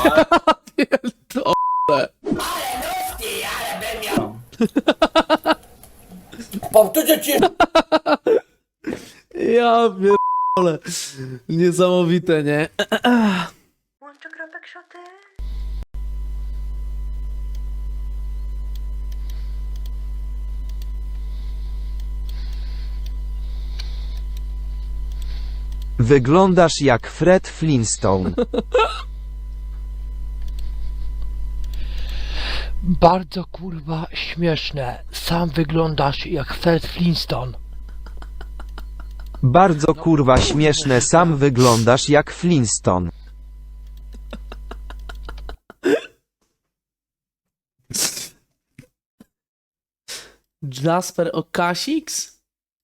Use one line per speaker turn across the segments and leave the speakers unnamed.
Pierdolę.
Powtórzę ci.
Ja pierdolę. Niesamowite, nie?
Łączę kropek szoty.
Wyglądasz jak Fred Flintstone.
Bardzo kurwa śmieszne. Sam wyglądasz jak Fred Flintstone.
Bardzo kurwa śmieszne, sam wyglądasz jak Flintstone.
Jasper Okasix?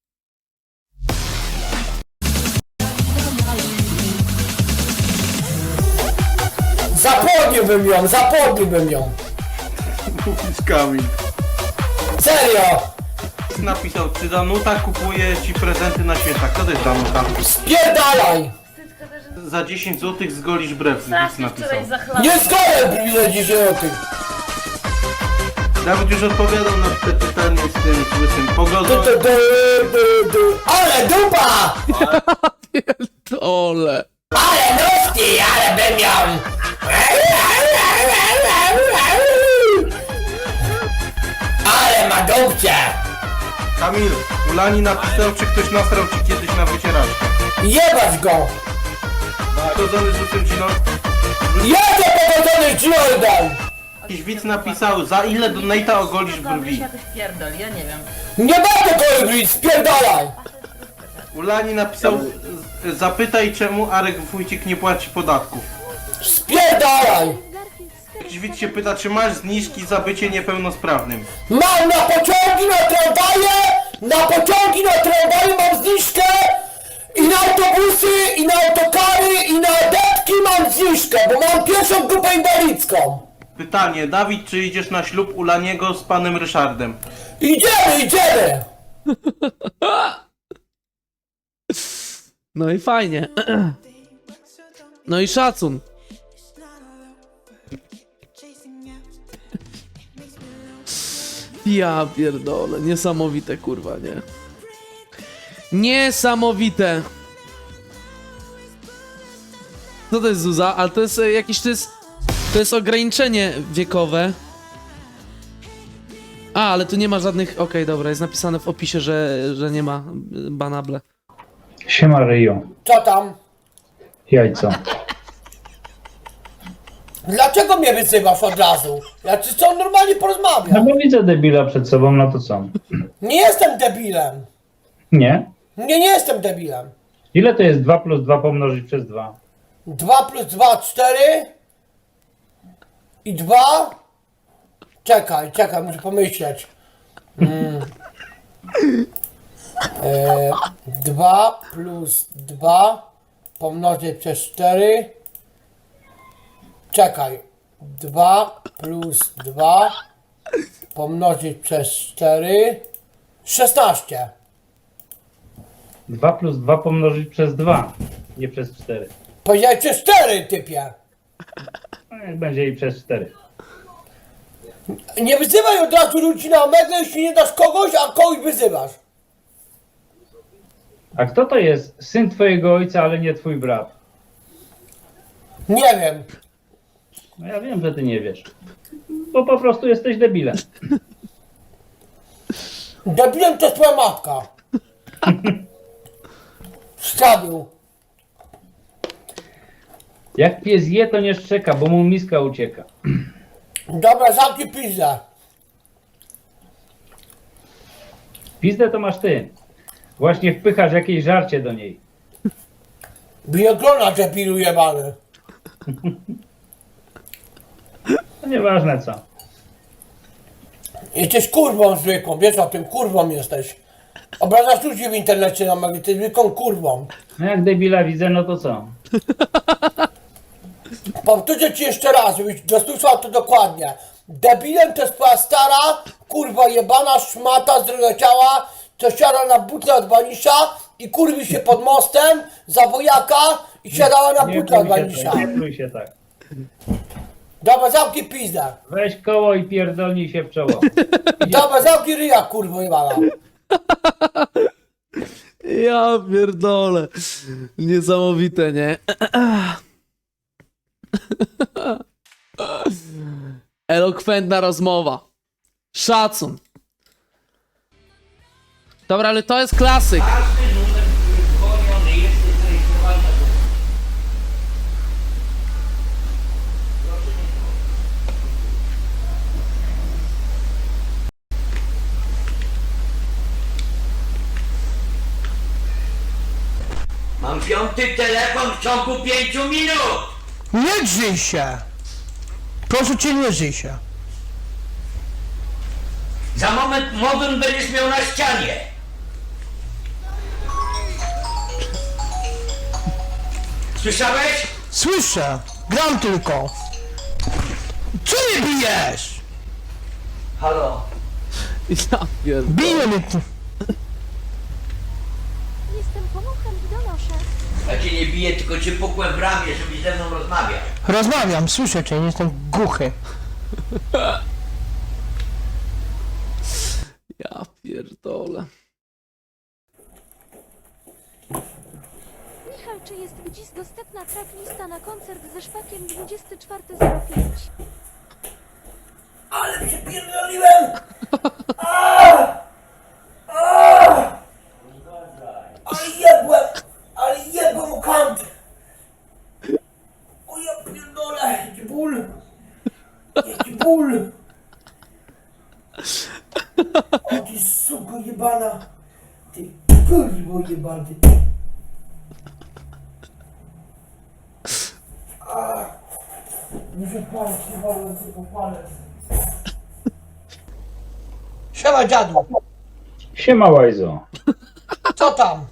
Zapomniłbym ją.
Mówisz Kamil.
Serio.
Napisał, czy Danuta kupuje ci prezenty na święta. Kto to jest Danuta?
Spierdalaj.
Za 10 zł zgolisz brew. Nic
Strasznie
napisał.
wczoraj zachlapał.
Nie zgodę za 10 złotych.
Dawid już odpowiadał na te pytanie z tym łysym pogodą.
Ale dupa!
Pierdolę.
Ale nóżki, ale bym ją! Ale ma dupcie!
Kamil, Ulani napisał, czy ktoś nasrał ci kiedyś na wycieraczkę.
Jebać go!
Pogodzony z łysym dziną.
Jadę powodzony z Jordan!
Jakiś widz napisał, za ile donate'a ogolisz
Dobry
brwi.
się jakoś pierdol, ja nie wiem.
Nie będę kolibri, spierdalaj!
Ulani napisał, zapytaj czemu Arek Wójcik nie płaci podatków.
Spierdalaj!
Jakiś widz się pyta, czy masz zniżki za bycie niepełnosprawnym.
Mam na pociągi, na tramwaje! Na pociągi, na tramwaje mam zniżkę! I na autobusy, i na autokary, i na detki mam zniżkę, bo mam pierwszą grupę inwalidzką!
Pytanie, Dawid, czy idziesz na ślub Ulaniego z panem Ryszardem?
Idziemy!
No i fajnie. No i szacun. Ja pierdolę, niesamowite kurwa, nie? Niesamowite. Co to jest Zuza? Ale to jest jakieś, to jest ograniczenie wiekowe. A, ale tu nie ma żadnych, okej, dobra, jest napisane w opisie, że nie ma banable.
Siema Ryju,
Co tam?
jajco.
Dlaczego mnie wyzywasz od razu? Ja czy co normalnie
No
porozmawiam?
bo widzę debila przed sobą, no to co?
Nie jestem debilem.
Nie?
Nie jestem debilem.
Ile to jest 2 plus 2 pomnożyć przez 2?
2 plus 2, 4. I 2. Czekaj, muszę pomyśleć. 2 plus 2 pomnożyć przez 4. Czekaj. 2 plus 2 pomnożyć przez 4. 16.
2 plus 2 pomnożyć przez 2, nie przez 4.
Powiedziałeś przez 4, typie.
No jak będzie i przez 4.
Nie wyzywaj od razu ludzi na omegle, jeśli nie dasz kogoś, a kogoś wyzywasz.
A kto to jest syn twojego ojca, ale nie twój brat?
Nie wiem.
No ja wiem, że ty nie wiesz. Bo po prostu jesteś debilem.
Debilem to jest twoja matka. Wstawił.
Jak pies je, to nie szczeka, bo mu miska ucieka.
Dobra, zamknij pizdę.
Pizdę to masz ty. Właśnie wpychasz jakieś żarcie do niej.
Bioglona debilu jebany.
No nieważne co.
Jesteś kurwą zwykłą, wiesz o tym, kurwą jesteś. Obrażasz ludzi w internecie na magii, ty zwykłą kurwą.
No jak debila widzę, no to co?
Powtórzę ci jeszcze raz, żebyś dosłyszał to dokładnie. Debilem to jest twoja stara, kurwa jebana szmata z drugiego ciała, co siada na butle od Banisza i kurwi się pod mostem za wojaka i siadała na butle od Banisza.
Nie prój się tak.
Dobra, zamknij pizdę.
Weź koło i pierdolnij się w czoło.
Dobra, zamknij ryja, kurwo jebana.
Ja pierdolę. Niesamowite, nie? Elokwentna rozmowa. Szacun. Dobra, ale to jest klasyk.
Mam 5. telefon w ciągu 5 minut!
Nie drzyj się! Proszę cię, nie drzyj się.
Za moment modem będziesz miał na ścianie! Słyszałeś?
Słyszę! Gram tylko! Co mnie bijesz?
Halo?
Ja pierdolę.
Bije mnie tu!
Jestem pomochem i donoszę.
Ja cię nie biję, tylko cię pukłem w ramię, żebyś ze mną rozmawiał.
Rozmawiam, słyszę cię, nie jestem głuchy.
Ja pierdolę.
Michał, czy jest gdzieś dostępna tracklista na koncert ze Szpakiem 24.05?
Ale przepierdoliłem! Ale jebłem o kant! O ja pierdolę, jaki ból! Jaki ból! O ty suko jebana! Ty kurwo jebany! Muszę palec, nie wolno tylko palec.
Siema dziadu,
Siema Łajzo.
co tam?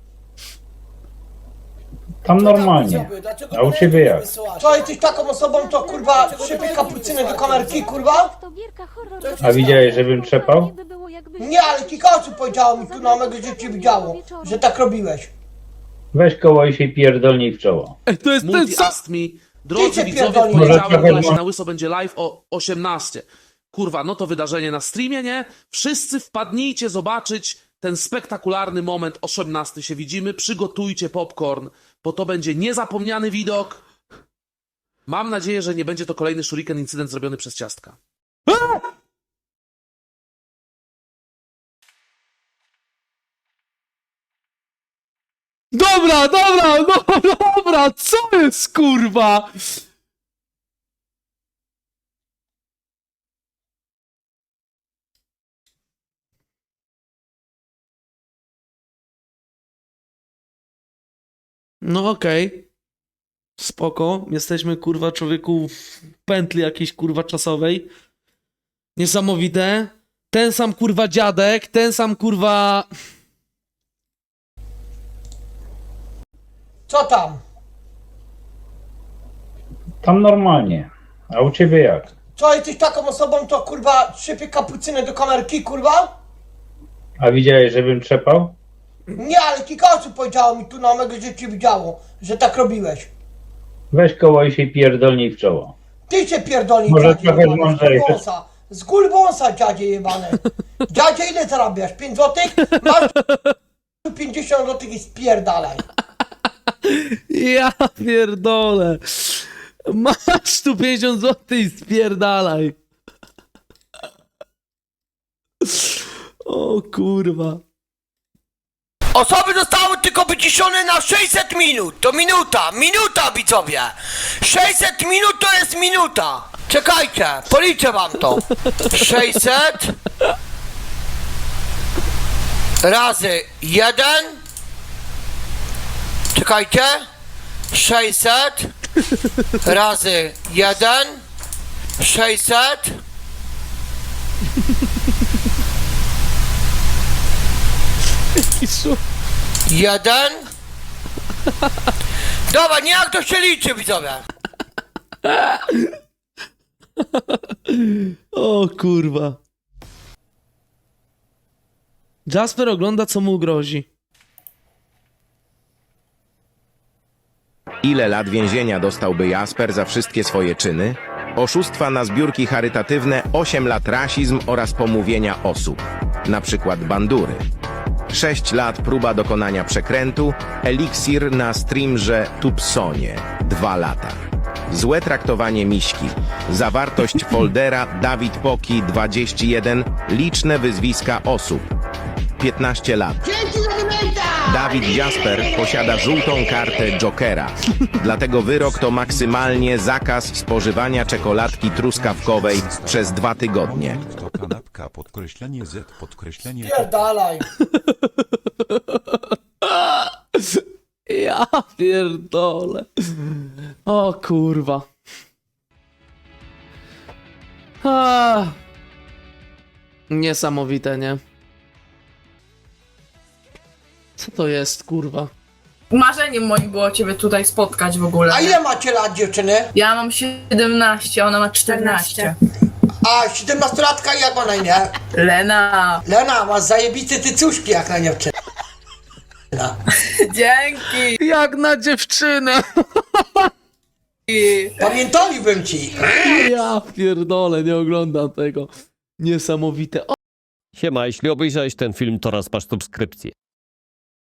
Tam normalnie.
Widzowie, dlaczego
A u ciebie jak?
wysyłacie?
Co jesteś taką osobą, to kurwa szybie kapucynę do kamerki, kurwa?
To gierka horror.
A widziałeś, żebym trzepał?
Nie, ale kilka osób powiedziało mi tu na mego, że cię widziało, że tak robiłeś.
Weź koło i się pierdolnij w czoło.
Ej, to jest ten
Multi
sam...
Ask Me.
Ty
Drodzy
cię
widzowie,
pierdolni.
w poniedziałek
Może
właśnie
trochę-
na Łyso będzie live o 18. Kurwa, no to wydarzenie na streamie, nie? Wszyscy wpadnijcie zobaczyć ten spektakularny moment. 18 się widzimy. Przygotujcie popcorn, bo to będzie niezapomniany widok. Mam nadzieję, że nie będzie to kolejny shuriken incydent zrobiony przez ciastka.
Dobra, dobra, no, dobra, co jest kurwa? No okej. Spoko. Jesteśmy kurwa człowieku w pętli jakiejś kurwa czasowej. Niesamowite. Ten sam kurwa dziadek, ten sam kurwa...
Co tam?
Tam normalnie. A u ciebie jak?
Co jesteś taką osobą, to kurwa szybie kapucynę do kamerki, kurwa?
A widziałeś, żebym trzepał?
Nie, ale kilka osób powiedziało mi tu na mego, że cię widziało, że tak robiłeś.
Weź koło i się pierdolnij w czoło.
Ty cię pierdolni,
Może
dziadzie
trochę
jebany,
mądrzejszy.
z gulbąsa, dziadzie jebane. Dziadzie, ile zarabiasz? 5 złotych? Masz 50 złotych i spierdalaj.
Ja pierdolę. Masz tu 50 zł i spierdalaj. O kurwa.
Osoby zostały tylko wyciszone na 600 minut. To minuta widzowie. 600 minut to jest minuta. Czekajcie, policzę wam to. 600 razy 1. Czekajcie. 600 razy 1. 600.
Kiszu.
1. Dobra, nie jak to się liczy, widzowie.
O kurwa. Jasper ogląda, co mu grozi.
Ile lat więzienia dostałby Jasper za wszystkie swoje czyny? Oszustwa na zbiórki charytatywne, 8 lat rasizm oraz pomówienia osób, na przykład bandury. 6 lat próba dokonania przekrętu, eliksir na streamrze Tubsonie, 2 lata. Złe traktowanie miśki, zawartość foldera Dawid Poki 21, liczne wyzwiska osób, 15 lat. Dawid Jasper posiada żółtą kartę Jokera, dlatego wyrok to maksymalnie zakaz spożywania czekoladki truskawkowej przez 2 tygodnie.
To kanapka, podkreślenie Z, podkreślenie...
Pierdalaj.
Ja pierdolę. O kurwa. Niesamowite, nie? Co to jest, kurwa?
Marzeniem moim było ciebie tutaj spotkać w ogóle.
A ile macie lat, dziewczyny?
Ja mam 17, ona ma 14.
A 17-latka jak ma na imię?
Lena.
Lena, masz zajebiste tycuszki jak na dziewczynę.
Dzięki.
Jak na dziewczynę!
Pamiętaliłbym ci.
Ja pierdolę, nie oglądam tego. Niesamowite.
Siema, jeśli obejrzałeś ten film, to raz masz subskrypcję.